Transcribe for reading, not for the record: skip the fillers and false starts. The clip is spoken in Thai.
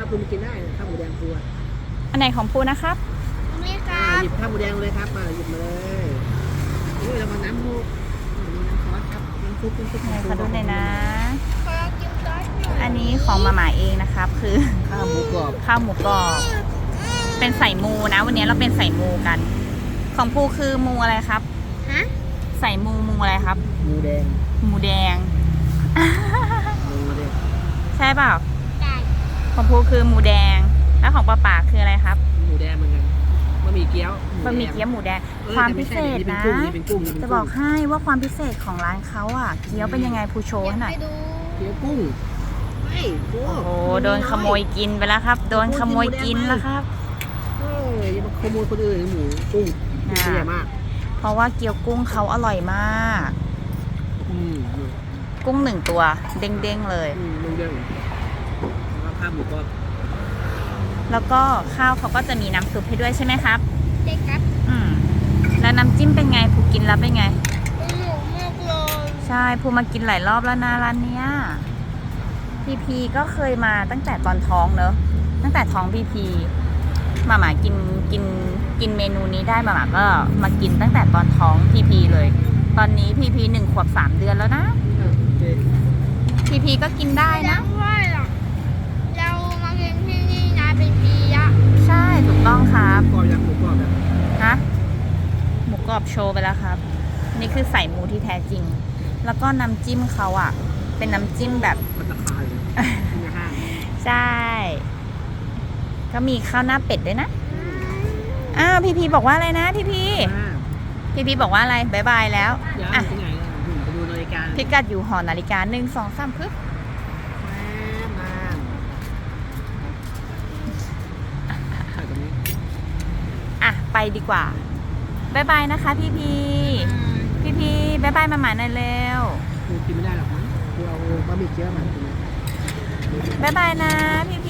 คุณกินได้ข้าวหมูแดงครัวอันไหนของภูนะครับนี่ครัหบยิบข้าวหมูแดงเลยครับมาหยิบมาเลยนี่เรามาน้ำมูกมีน้ำซอสครับน้ำซุปไหนขอดูหน่อยนะขอกินซอสหน่อยอันนี้ของมาม่าเองนะครับ คือข้าวหมูกรอบข้าวหมูกรอบ เป็นใส่มูนะ วันนี้เราเป็นใส่มูกัน ของภูคือมูอะไรครับฮะใส่มูอะไรครับหมูแดงหมูแดงหมูแดงใช่เปล่าไก่ของภูคือหมูแดง แล้วของป้าป๋าคืออะไรครับหมูแดงเหมือนกันบะหมี่เกี๊ยวบะหมี่เกี๊ยวหมูแดงเออความพิเศษแต่ไม่นะใช่นี่เป็นกุ้งนี่เป็นกุ้งจะบอกให้ว่าความพิเศษของร้านเขาอ่ะ เกี๊ยวเป็นยังไงภูโชว์ให้หน่อยไปดูเกี๊ยวกุ้งไม่โอ้โอ้โดนขโมยกินไปแล้วครับ โดนขโมยกินแล้วครับเอ้ยอย่ามาขโมยคนอื่นหมูกุ้งตัวใหญ่มากเพราะว่าเกี๊ยวกุ้งเขาอร่อยมากอืมกุ้ง1 ตัวเด้งๆเลยลุงเด้งแล้วข้าวหมูกรอบแล้วก็ข้าวเขาก็จะมีน้ำซุปให้ด้วยใช่ไหมครับเด็กครับอืมแล้วน้ำจิ้มเป็นไงภูกินแล้วเป็นไงเป็นหมูมากเลยใช่ภูมากินหลายรอบแล้วนะร้านเนี้ยพีก็เคยมาตั้งแต่ตอนท้องเนอะตั้งแต่ท้องพีมาม่ากินเมนูนี้ได้มาม่าก็มากินตั้งแต่ตอนท้องพีเลย ตอนนี้พี1 ขวบ 3 เดือนแล้วนะโอเคพีก็กินได้นะแล้วว่าเรามาเรียนที่นี่นะเป็นปีละใช่ถูกต้องครับกรอบยังหมูกรอบยังฮะหมูกรอบโชว์ไปแล้วครับ นี่คือใส่หมูที่แท้จริง แล้วก็น้ำจิ้มเขาอ่ะ เป็นน้ำจิ้มแบบมันราคาเลยในห้างใช่ ก็มีข้าวหน้าเป็ดด้วยนะ อ้าวพีบอกว่าอะไรนะพีบอกว่าอะไรบายบายแล้วเดี๋ยวอ่ะที่ไหนไปดูนาฬิกาพิกัดอยู่หอนาฬิกา1 2 3ปึ๊บมาใส่ตรงนี้อ่ะไปดีกว่าบายบายนะคะพีบายบายมาหมาหน่อยเร็วกูกินไม่ได้หรอกมั้งกูเอาบะหมี่เกี๊ยวมากินบายบายนะพี